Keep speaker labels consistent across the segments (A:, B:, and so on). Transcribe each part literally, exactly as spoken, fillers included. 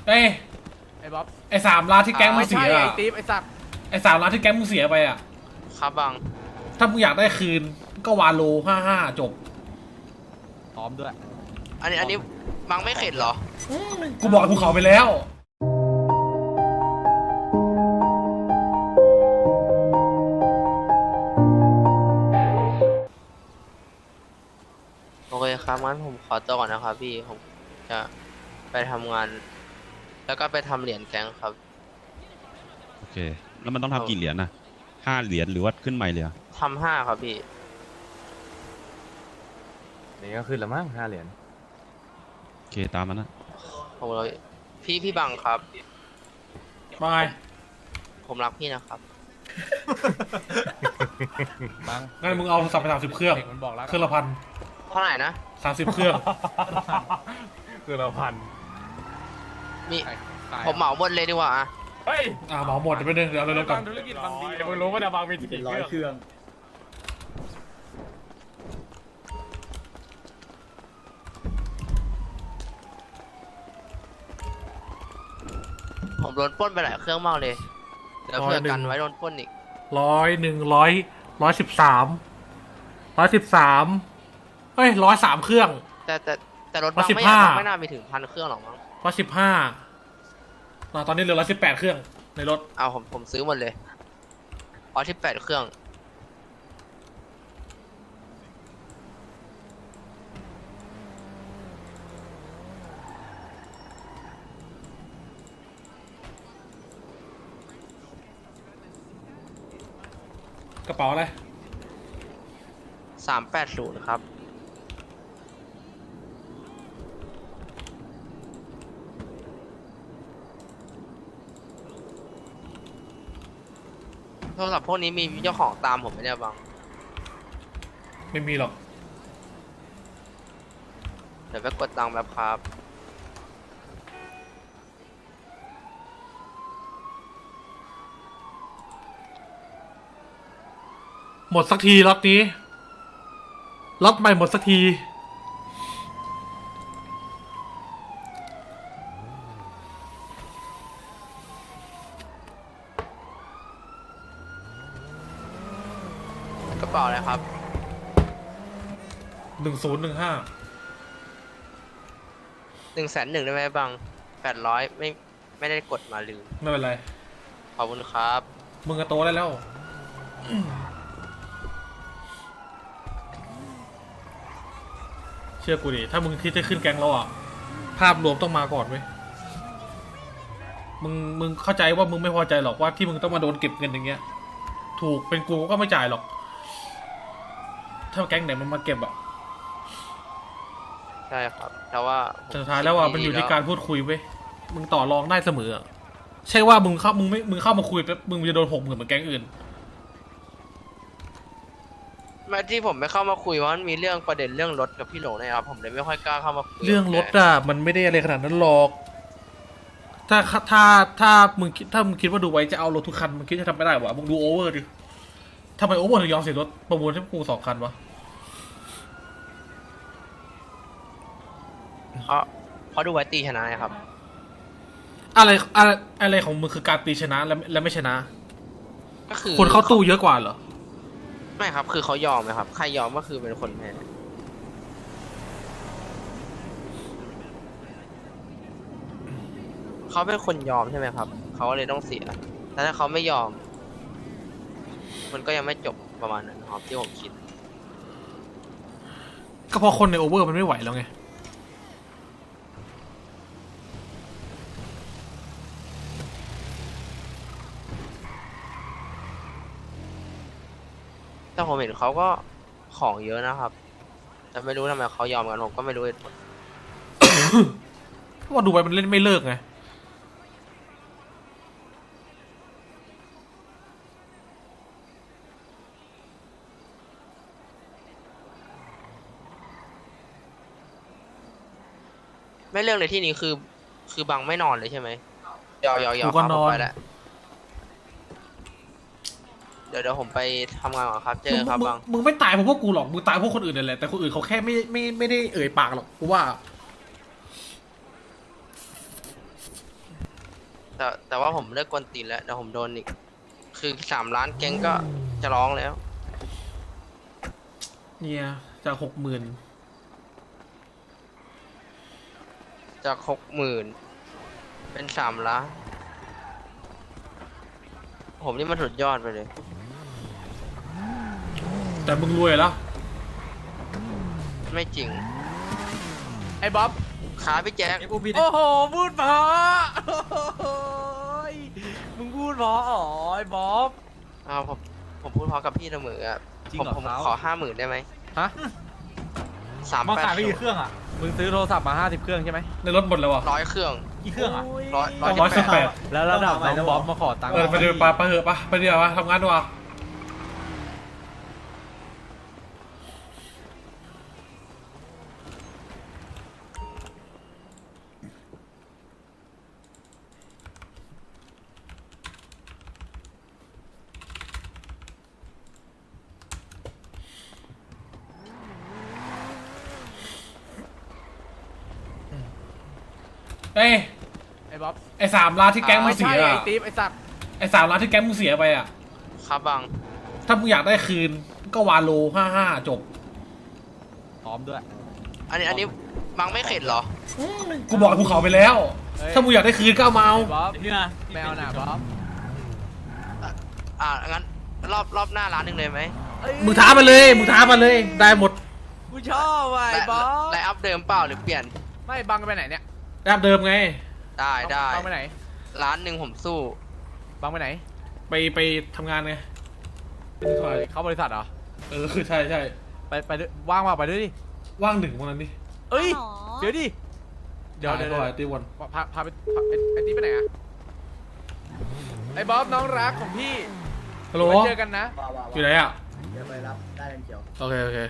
A: เอ้ย
B: ไอ้บ๊อบ
A: ไอ้สามล้านที่แก๊งมึงเสีย
B: ไอ้
A: อะ
B: ติ๊บไอ้สัตว์
A: ไอ้สามล้านที่แก๊งมึงเสียไปอ่ะ
C: ครับบัง
A: ถ้ามึงอยากได้คืนก็วาโลห้าห้าจบ
B: พร้อมด้วย
C: อันนี้อันนี้บังไม่เข็ดเหรอ
A: กูบอกภูเขาไปแล้ว
C: โอเคครับงั้นผมขอตัวก่อนนะครับพี่ผมจะไปทำงาน แล้วก็ไปทำเหรียญแก๊งครับ
D: โอเคแล้วมันต้องทำกี่เหรียญนะห้าเหรียญหรือว่าขึ้นใหม่เลย
C: ทำห้าครับพี่
B: นี่ก็ขึ้นละมั้งห้าเหรียญ
D: โอเคตามมันนะ
C: ผมเลยพี่พี่บังครับ
A: บาย
C: ผมรักพี่นะครับ
A: บังงั้นมึงเอาสับไปสามสิบเครื่องเครื่องละพัน
C: เท่าไหร่นะ
A: สามสิบเครื่อง
B: เครื่องละพัน
C: มีผมเหมาหมดเลยดีกว่า
B: เฮ้ย
A: อ่าเหมาหมดไปหนึ่งเดี๋ยวเราเริ่มกัน
B: ธุรกิจบางดีมึงรู้ว่าจะบางมีกี่ร้อยเครื่อง
C: ผมโดนปล้นไปหลายเครื่องมากเลยเดี๋ยวเพื่อกันไว้โดนปล้นอีก
A: ร้อยหนึ่งร้อยร้อยสิบสามร้อยสิบสามเฮ้ยร้อยสามเครื่อง
C: แต่แต่แต่รถบังไม่ไม่น่ามีถึงพันเครื่องหรอกมั้ง
A: ร้อยสิบห้าตอนนี้เหลือร้อยสิบแปดเครื่องในรถ
C: เอาผมผมซื้อหมดเลยร้อยสิบแปดเครื่อง
A: กระเป๋าอะไร
C: สามแปดศูนย์ครับโทรศัพท์พวกนี้มีเจ้าของตามผมไหมเนี่ยบัง
A: ไม่มีหรอก
C: เดี๋ยวไปกดตังค์แบบครับ
A: หมดสักทีล็อตนี้ล็อตใหม่หมดสักที
C: กระเป๋าอะไรครับ
A: หนึ่งศูนย์หนึ่งห้า
C: หนึ่งแสนหนึ่งได้ไหมบังแปดร้อยไม่ไม่ได้กดมาลืม
A: ไม่เป็นไร
C: ขอบคุณครับ
A: มึงก็โตได้แล้วเชื่อกูดิถ้ามึงคิดจะขึ้นแกงเราอ่ะภาพรวมต้องมาก่อนเว้ยมึงมึงเข้าใจว่ามึงไม่พอใจหรอกว่าที่มึงต้องมาโดนเก็บเงินอย่างเงี้ยถูกเป็นกูก็ไม่จ่ายหรอกถ้าแก๊งไหนมันมาเก็บอ่ะ
C: ใช่ครับแต่ว่า
A: สุดท้ายแล้วอ่ะมันอยู่ที่การพูดคุยเว้ยมึงต่อรองได้เสมอใช่ว่ามึงเข้ามึงไม่มึงเข้ามาคุยแป๊บมึงจะโดนหกหมื่นเหมือนแก๊งอื่น
C: มาที่ผมไม่เข้ามาคุยว่ามันมีเรื่องประเด็นเรื่องรถกับพี่หลงนะครับผมเลยไม่ค่อยกล้าเข้ามาคุย
A: เรื่องรถอ่ะมันไม่ได้อะไรขนาดนั้นหรอกถ้าถ้าถ้ามึงคิดถ้ามึงคิดว่าดูไว้จะเอารถทุกคันมึงคิดจะทำไม่ได้วะมึงดูโอเวอร์ดิทำไมโอเวอร์ถึงยอมเสียรถประมูลให้กูสองคันวะ
C: เพราะเพราะดูไว้ตีชนะครับ
A: อะไรอะไรอะไรของมึงคือการตีชนะและและไม่ชนะ
C: ก็คือ
A: คนเข้าตู้เยอะกว่าเหรอ
C: ไม่ครับคือเขายอมนะครับใครยอมก็คือเป็นคนแพ้เขาเป็นคนยอมใช่ไหมครับเขาเลยต้องเสียแต่ถ้าเขาไม่ยอมมันก็ยังไม่จบประมาณนั้นครับที่ผมคิด
A: ก็เพราะคนในโอเวอร์มันไม่ไหวแล้วไง
C: แต่ผมเห็นเขาก็ของเยอะนะครับแต่ไม่รู้ทำไมเขายอมกันผมก็ไม่รู้เหตุผล
A: เพราะว่าดูไปมันเล่นไม่เลิกไง
C: ไม่เลิกในที่นี้คือคือบังไม่นอนเลยใช่ไหมยาวยาวยาว
A: ก็นอนไป
C: แล้วเดี๋ยวเดี๋ยวผมไปทำงานก่อนครับเจอครับบัง
A: มึงไม่ตายเพราะพวกกูหรอกมึงตายเพราะคนอื่นนั่นแหละแต่คนอื่นเขาแค่ไม่ไม่ไม่ได้เอ่ยปากหรอกกูว่า
C: แต่แต่ว่าผมเลิกกวนตีนแล้วเดี๋ยวผมโดนอีก คือสามล้านแก๊งก็จะร้องแล้ว
A: เนี่ยจากหกหมื่น
C: จากหกหมื่นเป็นสามล้าน ผมนี่มันสุดยอดไปเลย
A: แต่มึงรวยแล้ว
C: ไม่จริง
B: ไอ้บ๊อบ
C: ขาพี่แจ๊ค
B: โอ้โหพูดเพราะโอ้ยมึงพูดเพราะอ๋อไอ้บ๊อบ
C: อ้าวผมผมพูดพอกับพี่เสมออ่ะ
B: จริง
C: ผม
B: เหรอ
C: ผม
B: ครับ
C: ขอห้าหมื่นได้ไหม
B: ฮะ
C: สาม
B: มา
C: แปด
B: ขายไปกี่เครื่องอ่ะมึงซื้อโทรศัพท์มาห้าสิบเครื่องใช่ไหม
A: ในรถหมดแล้ววะ
C: ร้อยเครื่อง
B: กี่เครื่องอ่ะ
C: ร้อย
A: สองร้อยสิบแปด
B: แล้วระดับน้องบ๊อบมาขอตังค์
A: เออไปเดินปลาไปเหอะปะไปเดี๋ยวปะทำงานดีกว่าเอ้ย
B: ไอ้บ๊อบ
A: ไอ้สามล้านที่แก๊งมึงเสีย
B: ไอ้
A: อะ
B: ติ๊บไอ้สัตว์
A: ไอ้สามล้านที่แก๊งมึงเสียไปอะ
C: ครับบัง
A: ถ้ามึงอยากได้คืนก็วาโลห้าห้าจบ
B: พร้อมด้วย
C: อันนี้อันนี้บังไม่เข็ดเหรอ
A: กูบอกกับภูเขาไปแล้ว
B: เฮ้ย
A: ถ้ามึงอยากได้คืนก็เอามาเอา
B: ไอ้บ๊อบนี่นะแมวน่ะบ๊อบ
C: อ่างั้นรอบรอบหน้าร้านหนึ่งเลยไหม
A: มึงท้ามาเลย มึงท้ามาเลย ได้หมด
B: กูชอบว่ะไอ้บ๊อบ
C: ไลน์อัพเดิมเปล่าหรือเปลี่ยน
B: ไม่บังไปไหนเนี่ย
A: แบบเดิมไง
C: ได้ได้
B: บังไปไหน
C: ร้านหนึ่งผมสู้
B: บังไปไหน
A: ไปไปทำงานไงเป็นใคร
B: เข้าบริษัทเหรอ
A: เออคือใช่ใช่
B: ไปไปด้วยว่างว่าไปด้วยดิ
A: ว่างหนึ่งวันนั้นดิ
B: เอ้ย
E: หรอ
B: เดี๋ยวดิ เดี๋ยวเดี๋ยว
A: ได้
B: เดี๋ยว
A: ก็ไอ้ตีวัน
B: พาพาไปพาไอ้ไอ้นี่ไปไหนอะไอ้บ๊อบน้องรักของพี่
A: ฮัลโหล
B: ไว้เจอกันนะ
F: ว้าวว้าว
A: อยู่ไหนอ่ะ
F: เดี๋ยวไปรับได้เลนเขียว
A: โอเคโอเค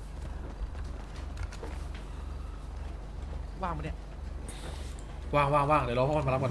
B: ว่างปะเนี่ย
A: ว่างว่างว่างเดี๋ยวรอพ่อมันมารับกัน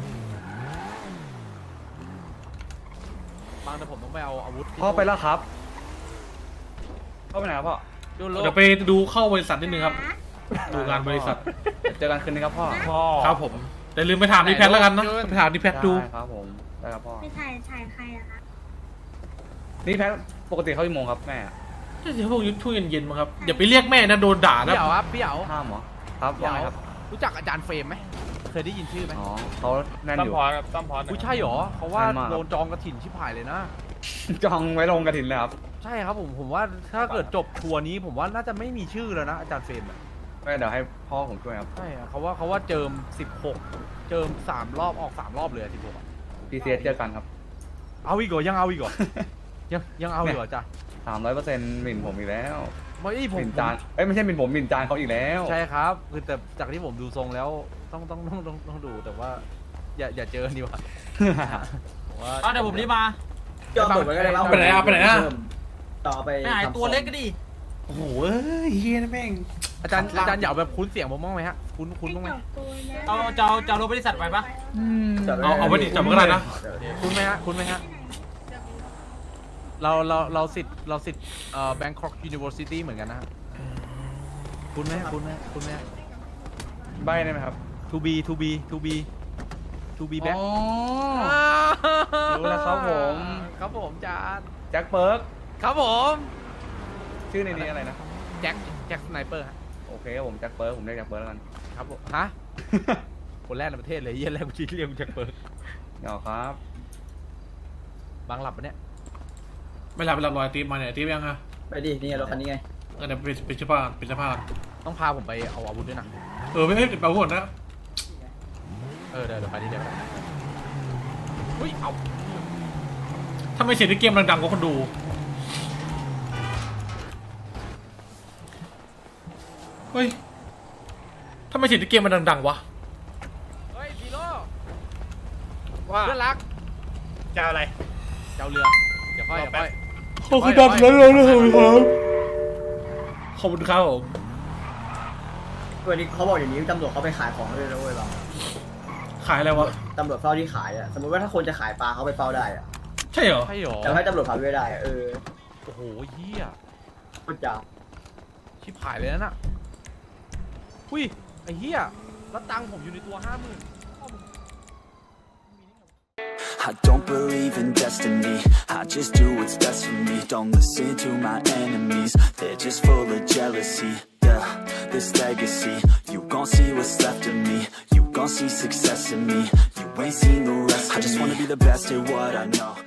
B: บางแต่ผมต้องไปเอาอาวุธที่
G: พ่อไปแล้วครับพ่อไปไหนครับพ่อ
B: ดูโล
A: เดี๋ยวไปดูเข้าบริษัทนิดนึงครับ ดูงานบริษัท
G: เจอกันคืนนี้ครับพ่อ
B: พ่อ
A: ครับผมแต่ลืมไปถามดีแพทแล้วกันนะไปถามดีแพทดู
G: ได้ครับผมได้ครับพ่อ
E: ไปถ่ายถ่ายใครอะคะ
G: นี่แพทปกติเขากี่โมงครับแม่
A: เดี๋ยวพวกยุทช่วงเย็นๆมาครับอย่าไปเรียกแม่นะโดนด่านะ
B: พี่เหยาครับพี่เหยา
G: ห้ามเหรอครับ
B: พี่เห
G: ว่าไง
B: ยา
G: ครับ
B: รู้จักอาจารย์เฟรมไหมเคยได้ยินชื่อไหม
G: อ๋อเขาแน่น
B: ตั้
G: อ
B: ม
G: ยู่
B: พรตั้มพรอุ้ยใช่เหรอเขาว่า
G: แน่นมากครับ
B: โดนจองกระถิ่นชิบหายเลยนะ
G: จองไว้ลงกระถินเลยครับ
B: ใช่ครับผมผมว่าถ้าเกิดจบทัวร์นี้ผมว่าน่าจะไม่มีชื่อแล้วนะอาจารย์เฟรมอะ
G: ไม่เดี๋ยวให้พ่อผมช่วยครับ
B: ใช่อะเขาว่าเขาว่าเจิมสิบหกเจิมสามรอบออกสามรอบเลยสิบหก
G: พีซีเอสเจอกันครับ
B: เอาอีกเหรอยังเอาอีกเหรอ ยังยังเอาอีกเหรอจ้ะ
G: สามร้อยเปอร์เซ็นต์หมิ่นผมอีกแล้ว
B: ไม่ผ
G: ห
B: ม
G: มิ่นจานเอ้ยไม่ใช่หมิ่นผมหมิ่นจานเขาอีกแล้ว
B: ใช่ครับคือแต่จากที่ผมดูทรงแล้วต้องต้องต้องต้องต้องดูแต่ว่า อย่าอย่าเจอดีกว่าผมว่า
H: เอาเดี๋ยวผมรีบมา
F: จอดตัวไว้ก็ได้
A: ไปไหนอะไปไหนอะ
F: ต่อไป
H: ไม่หายตัวเล็กก็ดิ
A: โอ้โหเอ้ยเฮียนะแม่ง
B: อาจารย์อาจารย์เหยาแบบคุ้นเสียงผมบ้างไหมฮะคุ้นคุ้นบ้างไหม
H: เอาจะเอาจะเอารถบริษัทไปปะ
A: เอาเอาไปดิจับมันก็ได้นะ
B: คุ้นไหมฮะคุ้นไหมฮะเราเราเราสิทธิ์เราสิทธิ์เอ่อ Bangkok University เหมือนกันนะฮะคุ้นไหมคุ้นไหมคุ้นไหม
G: ใบได้ไหมครับ
B: to be to be to be to be back
G: อ๋อ รู้แล้วครับผม
B: ครับผมอาจารย์
G: แจ็คเปิร์ก
B: ครับผม
G: ชื่อในนี้อะไรนะ
B: แจ็คแจ็คสไนเปอร์ฮะ
G: โอเคครับผมแจ็คเปิร์กผมเรียกแจ็คเปิร์กแล้วกัน
B: ครับผมฮะ คนแรกในประเทศเลยเยี่ยแรกกูชี้เรียกกูแจ็คเปิร์
G: เดี๋ยวครับ
B: บางหลับปะเนี่ย
A: ไม่หลับไม่หลับรอยตีมมาเนี่ยตีมยังฮะ
F: ไปดินี่ไงรถคันนี้ไง
A: เออเดี๋ยวเป็นเป็นเสื้อผ้าเป็นเสื้อผ้า
B: ต้องพาผมไปเอาอาวุธด้วยนะ
A: เออไม่ให้ไปก่อนนะ
B: เออเดี๋ยวเดี๋ยวไปที่เดียวเฮ้ยเอา
A: ถ้าไม่เสียงในเกมดังๆก็คนดู เฮ้ย ถ้าไม่เสียงในเกมมันดังๆวะ
B: เฮ้ยพีโร่
H: ว่า
B: เพื่อนรัก
H: จะอะไร
B: เจ้าเรือเดี๋ยวค่อยเดี๋ยวค่อย
A: ขอบคุณดังแล้วเราเลยครับขอบคุณครับผม
F: วันนี้เขาบอกอย่างนี้ตำรวจเขาไปขายของเลยนะเว้ยบาง
A: ขายอะไรวะ
F: ตำรวจเฝ้าที่ขายอ่ะสมมติว่าถ้าคนจะขายปลาเขาไปเฝ้าได้อ่ะ
A: ใช่เหรอ
B: ใช่หรอ
F: แต่ให้ตำรวจพาไปไม่ได้อะเออ
B: โอ้โหเฮีย
F: พูดจา
B: ชิบหายเลยนะน่ะหุ้ยไอ้เฮียแล้วตังค์ผมอยู่ในตัวห้าหมื่น
E: I don't believe in destiny, I just do what's best for me. Don't listen to my enemies, they're just full of jealousy. Yeah, this legacy, you gon' see what's left of me. You gon' see success in me, you ain't seen the rest of me. I just wanna be the best at what I know.